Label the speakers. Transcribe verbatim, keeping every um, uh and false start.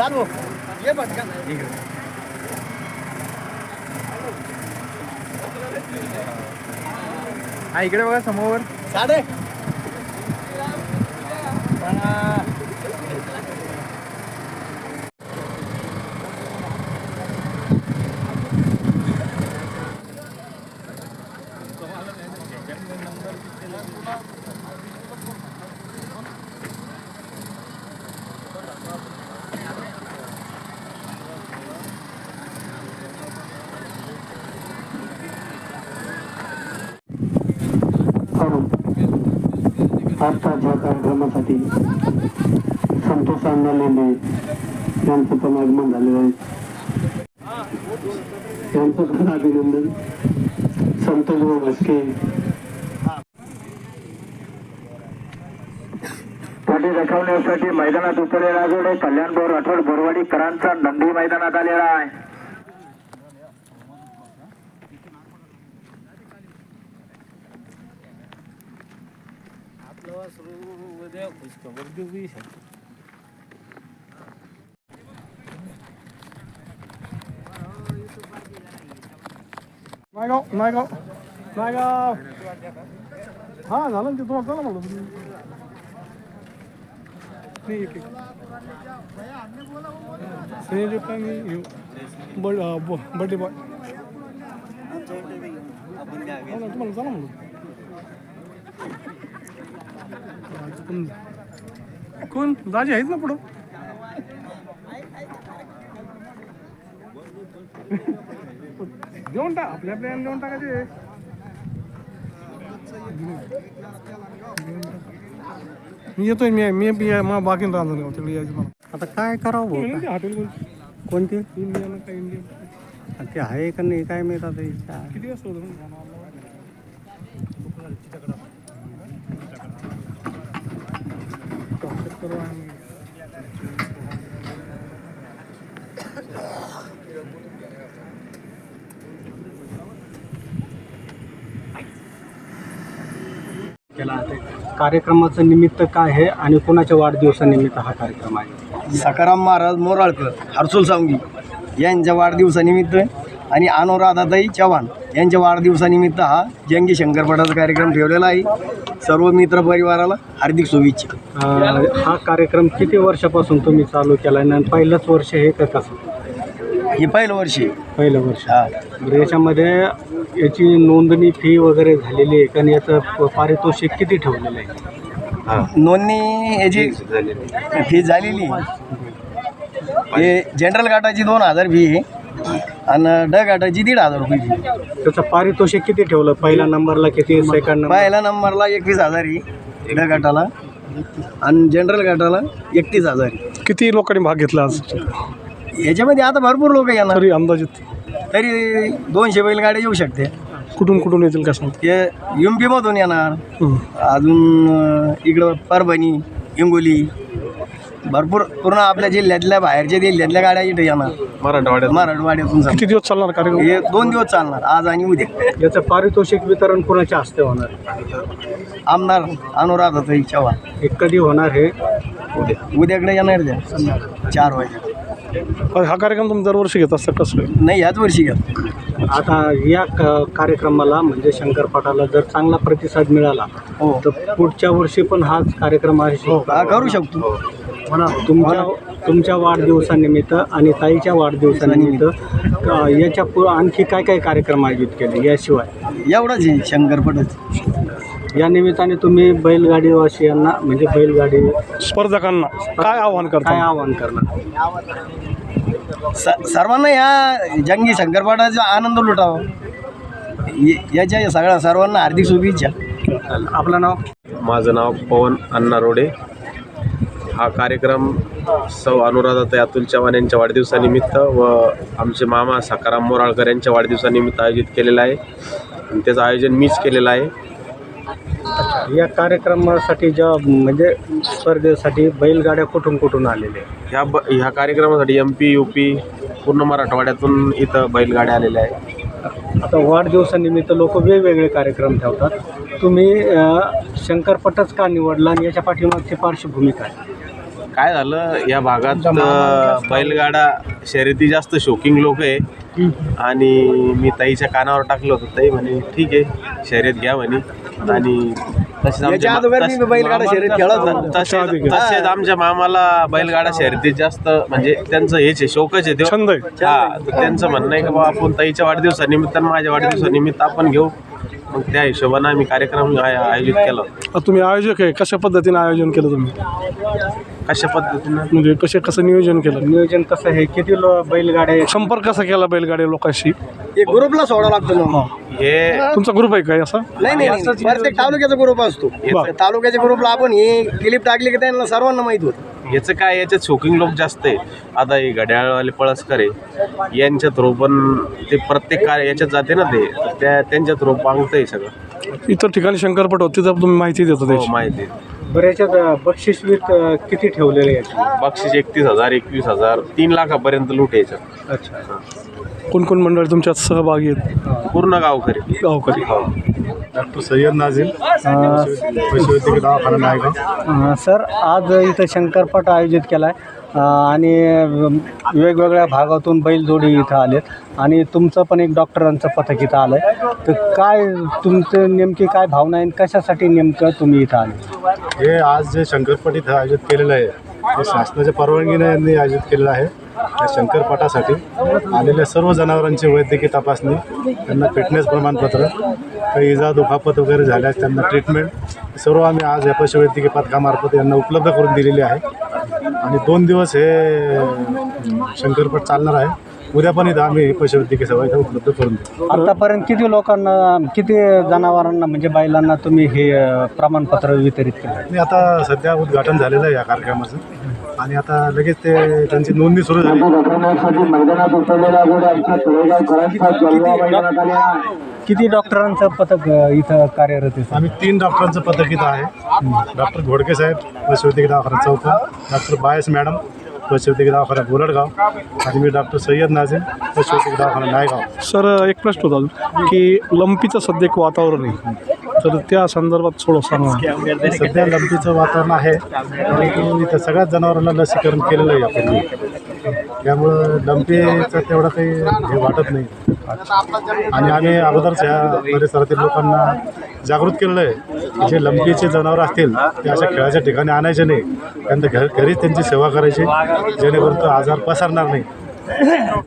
Speaker 1: चालू ये पटकन
Speaker 2: हा इकडे बघा समोर
Speaker 1: साडे
Speaker 3: आजच्या कार्यक्रमासाठी संतोष अण्णा लेंडे यांचं पण आगमन झालेलं आहे. यांचं पण अभिनंदन. संतोष भस्के पाठी दाखवण्यासाठी मैदानात उतरले राजोडे कल्याण बोर राठोड बोरवाडीकरांचा नंदी मैदानात आलेला आहे.
Speaker 2: नायगाव नायगाव नायगाव हा झालं ना ते तुम्हाला चला म्हणलं नाही एक एक संजय पांगी बर्थडे बॉय तुम्हाला चला म्हणलं कोण दाजी आहेत ना पुढं देऊन टाक आपल्या आपल्या देऊन टाकायचे मी येतोय मी मी मग बाकी राहणार तिकडे यायचं मला
Speaker 4: आता काय करावं
Speaker 2: हॉटेल
Speaker 4: कोणती
Speaker 2: इंडियन काय इंडियन
Speaker 4: ते आहे का नाही काय माहित आता
Speaker 2: किती वाजता होतं
Speaker 4: केला कार्यक्रमाचं निमित्त काय आहे आणि कोणाच्या वाढदिवसानिमित्त हा कार्यक्रम आहे?
Speaker 1: सकाराम महाराज मोराळकर हर्सुल सावंगी यांच्या वाढदिवसानिमित्त आणि अनुराधाताई चव्हाण यांच्या वाढदिवसानिमित्त हा जंगी शंकरपटाचा कार्यक्रम ठेवलेला आहे. सर्व मित्र परिवाराला हार्दिक शुभेच्छा.
Speaker 4: हा कार्यक्रम किती वर्षापासून तुम्ही चालू केला आणि पहिलंच वर्ष हे का कसं?
Speaker 1: हे पहिलं वर्ष आहे.
Speaker 4: पहिलं वर्ष.
Speaker 1: हा
Speaker 4: बरं, याच्यामध्ये याची नोंदणी फी वगैरे झालेली आहे कारण याचं पारितोषिक किती ठेवलेलं आहे?
Speaker 1: नोंदणी याची फी झालेली हे जनरल गाठाची दोन हजार फी आहे आणि ड गाठाची दीड हजार रुपये फी.
Speaker 4: त्याचं पारितोषिक किती ठेवलं? पहिल्या नंबरला किती, सेकंड नंबर?
Speaker 1: पहिल्या नंबरला एकवीस हजार आहे ड गाठाला आणि जनरल गाठाला एकतीस हजार आहे.
Speaker 2: किती लोकांनी भाग घेतला आज
Speaker 1: याच्यामध्ये आता भरपूर लोक येणार
Speaker 2: तरी अंदाजित
Speaker 1: तरी दोनशे बैलगाड्या येऊ शकते.
Speaker 2: कुठून कुठून येतील का सांग?
Speaker 1: हे एम पीमधून येणार अजून इकडं परभणी हिंगोली भरपूर पूर्ण आपल्या जिल्ह्यातल्या बाहेरच्या जिल्ह्यातल्या गाड्या इथे येणार.
Speaker 2: मराठवाड्यात
Speaker 1: मराठवाड्यातून
Speaker 2: किती दिवस चालणार कार्यक्रम?
Speaker 1: हे दोन दिवस चालणार आज आणि उद्या.
Speaker 4: याचं पारितोषिक वितरण कोणाच्या हस्ते होणार?
Speaker 1: आमदार अनुराधाताई चव्हाण.
Speaker 4: हे कधी होणार हे?
Speaker 1: उद्या उद्याकडे येणार द्या चार वाजे.
Speaker 2: हा कार्यक्रम तुम्ही दरवर्षी घेत असता कसं?
Speaker 1: नाही ह्याच वर्षी घ्या.
Speaker 4: आता या क- कार्यक्रमाला म्हणजे शंकरपटाला जर चांगला प्रतिसाद मिळाला
Speaker 1: हो
Speaker 4: तर पुढच्या वर्षी पण हाच कार्यक्रम आहे
Speaker 1: हा करू शकतो.
Speaker 4: तुमच्या तुमच्या वाढदिवसानिमित्त आणि ताईच्या वाढदिवसानिमित्त अ, याच्या पु आणखी काय काय कार्यक्रम आयोजित केले याशिवाय?
Speaker 1: एवढंच आहे शंकरपटच.
Speaker 4: या निमित्ताने तुम्ही बैलगाडीवासियांना म्हणजे बैलगाडी
Speaker 2: स्पर्धकांना काय आव्हान
Speaker 4: काय
Speaker 2: करता?
Speaker 4: आवाहन करणार?
Speaker 1: स सर्वांना या जंगी शंकरपटाचा आनंद लुटावा य- याच्या या सगळ्या सर्वांना हार्दिक शुभेच्छा.
Speaker 4: आपलं नाव?
Speaker 5: माझं नाव पवन अण्णा रोडे. हा कार्यक्रम सौ अनुराधाताई अतुल चव्हाण यांच्या वाढदिवसानिमित्त व आमचे मामा सकाराम मोराळकर यांच्या वाढदिवसानिमित्त आयोजित केलेला आहे आणि त्याचं आयोजन मीच केलेलं आहे.
Speaker 4: या कार्यक्रमासाठी ज्या म्हणजे स्पर्धेसाठी बैलगाड्या कुठून कुठून आलेल्या आहेत?
Speaker 5: ह्या ब ह्या कार्यक्रमासाठी एम पी यू पी पूर्ण मराठवाड्यातून इथं बैलगाड्या आलेल्या आहेत.
Speaker 4: आता वाढदिवसानिमित्त लोक वेगवेगळे कार्यक्रम ठेवतात. तुम्ही अ, शंकरपटच का निवडला आणि याच्या पाठीमागची पार्श्वभूमी काय?
Speaker 5: काय झालं या भागात अ, बैलगाडा शर्यती जास्त शौकिंग लोक आहे आणि मी ताईच्या कानावर टाकलं होतं. ताई म्हणे ठीक आहे शर्यत घ्या म्हणे आणि तसेच
Speaker 1: याच्या
Speaker 5: आमच्या
Speaker 1: अगोदर मी
Speaker 5: तस-
Speaker 1: बैलगाडा शर्यत खेळत होतो.
Speaker 5: तसेच तसेच आमच्या मामाला बैलगाडा शर्यतीत जास्त म्हणजे त्यांचं हेच आहे शौकच आहे ते.
Speaker 2: छंद आहे.
Speaker 5: हा तर त्यांचं म्हणणं आहे की बाबा आपण ताईच्या वाढदिवसानिमित्त आणि माझ्या वाढदिवसानिमित्त आपण घेऊ. मग त्या हिशोबानं आम्ही कार्यक्रम आय- आयोजित केला होता.
Speaker 2: आता तुम्ही आयोजक आहे, कशा पद्धतीने आयोजन केलं तुम्ही?
Speaker 5: कशा पद्धतीनं
Speaker 2: म्हणजे कसे कसं नियोजन केलं?
Speaker 4: नियोजन कसं आहे, किती लो बैलगाड्या
Speaker 2: संपर्क कसा केला बैलगाडी लोकांशी?
Speaker 1: एक ग्रुपला सोडावं लागतं ना.
Speaker 5: हे
Speaker 2: तुमचा ग्रुप आहे काय असा?
Speaker 1: नाही नाही नाही. प्रत्येक तालुक्याचा ग्रुप असतो. तालुक्याच्या ग्रुपला आपण हे क्लिप टाकली की त्यांना सर्वांना माहित होतं.
Speaker 5: याचं काय याच्यात शौकिंग लोक जास्त आहे. आता हे घड्याळवाले पळसकर आहे यांच्या थ्रू पण ते प्रत्येक कार्य याच्यात जाते ना ते तर त्या त्यांच्या थ्रू पांगतं आहे सगळं.
Speaker 2: इतर ठिकाणी शंकरपट होते तर तुम्ही माहिती देतो
Speaker 5: हो
Speaker 2: त्याची.
Speaker 5: माहिती आहे.
Speaker 4: बऱ्याच्यात बक्षीसवीत अ, किती ठेवलेले आहेत?
Speaker 5: बक्षीस एकतीस हजार एकवीस हजार तीन लाखापर्यंत लूट यायचं.
Speaker 4: अच्छा.
Speaker 2: कोण कोण मंडळी तुमच्यात सहभागी आहेत?
Speaker 5: पूर्ण गावकरी
Speaker 2: गावकरी.
Speaker 5: हो.
Speaker 6: डॉक्टर सय्यद नाझीम पशुवैद्यकीय दवाखाना नायगाव.
Speaker 4: अ, सर आज इथं शंकरपट आयोजित केला आहे आणि वेगवेगळ्या भागातून बैलजोडी इथं आलेत आणि तुमचं पण एक डॉक्टरांचं पथक इथं आलं आहे. तर काय तुमचं नेमकी काय भावना आहे आणि कशासाठी नेमकं तुम्ही इथं आले?
Speaker 6: हे आज जे शंकरपट इथं आयोजित केलेलं आहे ते शासनाच्या परवानगीने यांनी आयोजित केलेलं आहे. या शंकरपटासाठी आलेल्या सर्व जनावरांची वैद्यकीय तपासणी, त्यांना फिटनेस प्रमाणपत्र, काही इजा दुखापत वगैरे झाल्यास त्यांना ट्रीटमेंट सर्व आम्ही आज या पशुवैद्यकीय पथकामार्फत यांना उपलब्ध करून दिलेली आहे. आणि दोन दिवस हे शंकरपट चालणार आहे. उद्या पण इथं आम्ही पशुवैद्यकीय सेवा इथं उपलब्ध करून देऊ.
Speaker 4: आतापर्यंत किती लोकांना किती जनावरांना म्हणजे बैलांना तुम्ही हे अ, प्रमाणपत्र वितरित केलं?
Speaker 6: आणि आता सध्या उद्घाटन झालेलं आहे या कार्यक्रमाचं आणि आता लगेच ते त्यांची नोंदणी सुरू झाली.
Speaker 3: दाखवण्यासाठी मैदानात उतरलेल्या घोडे आमच्या तळेगावकरांचा जलवा मैदानात आलेला आहे.
Speaker 4: किती डॉक्टरांचं पथक अ, इथं कार्यरत आहे?
Speaker 6: आम्ही तीन डॉक्टरांचं पथक इथं आहे. डॉक्टर घोडके साहेब पशुवैद्यकीय दवाखाना चौका, डॉक्टर बायस मॅडम पशुवैद्यकीय दवाखाना बोरडगाव आणि मी डॉक्टर सय्यद नाझीम पशुवैद्यकीय दवाखाना नायगाव.
Speaker 2: सर एक प्रश्न होता अजून की लंपीचं सध्या एक वातावरण आहे, तर त्या संदर्भात थोडं सांगा.
Speaker 6: सध्या लंपीचं वातावरण आहे परंतु इथं सगळ्याच जनावरांना लसीकरण केलेलं आहे यापूर्वी, त्यामुळं लंपीचं तेवढं काही हे वाटत नाही. आणि आम्ही अगोदरच ह्या परिसरातील लोकांना जागृत केलेलं आहे. जे लंपीचे जनावर असतील ते अशा खेळाच्या ठिकाणी आणायचे नाही, त्यांना घर घरीच त्यांची सेवा करायची जेणेकरून तो आजार पसरणार नाही.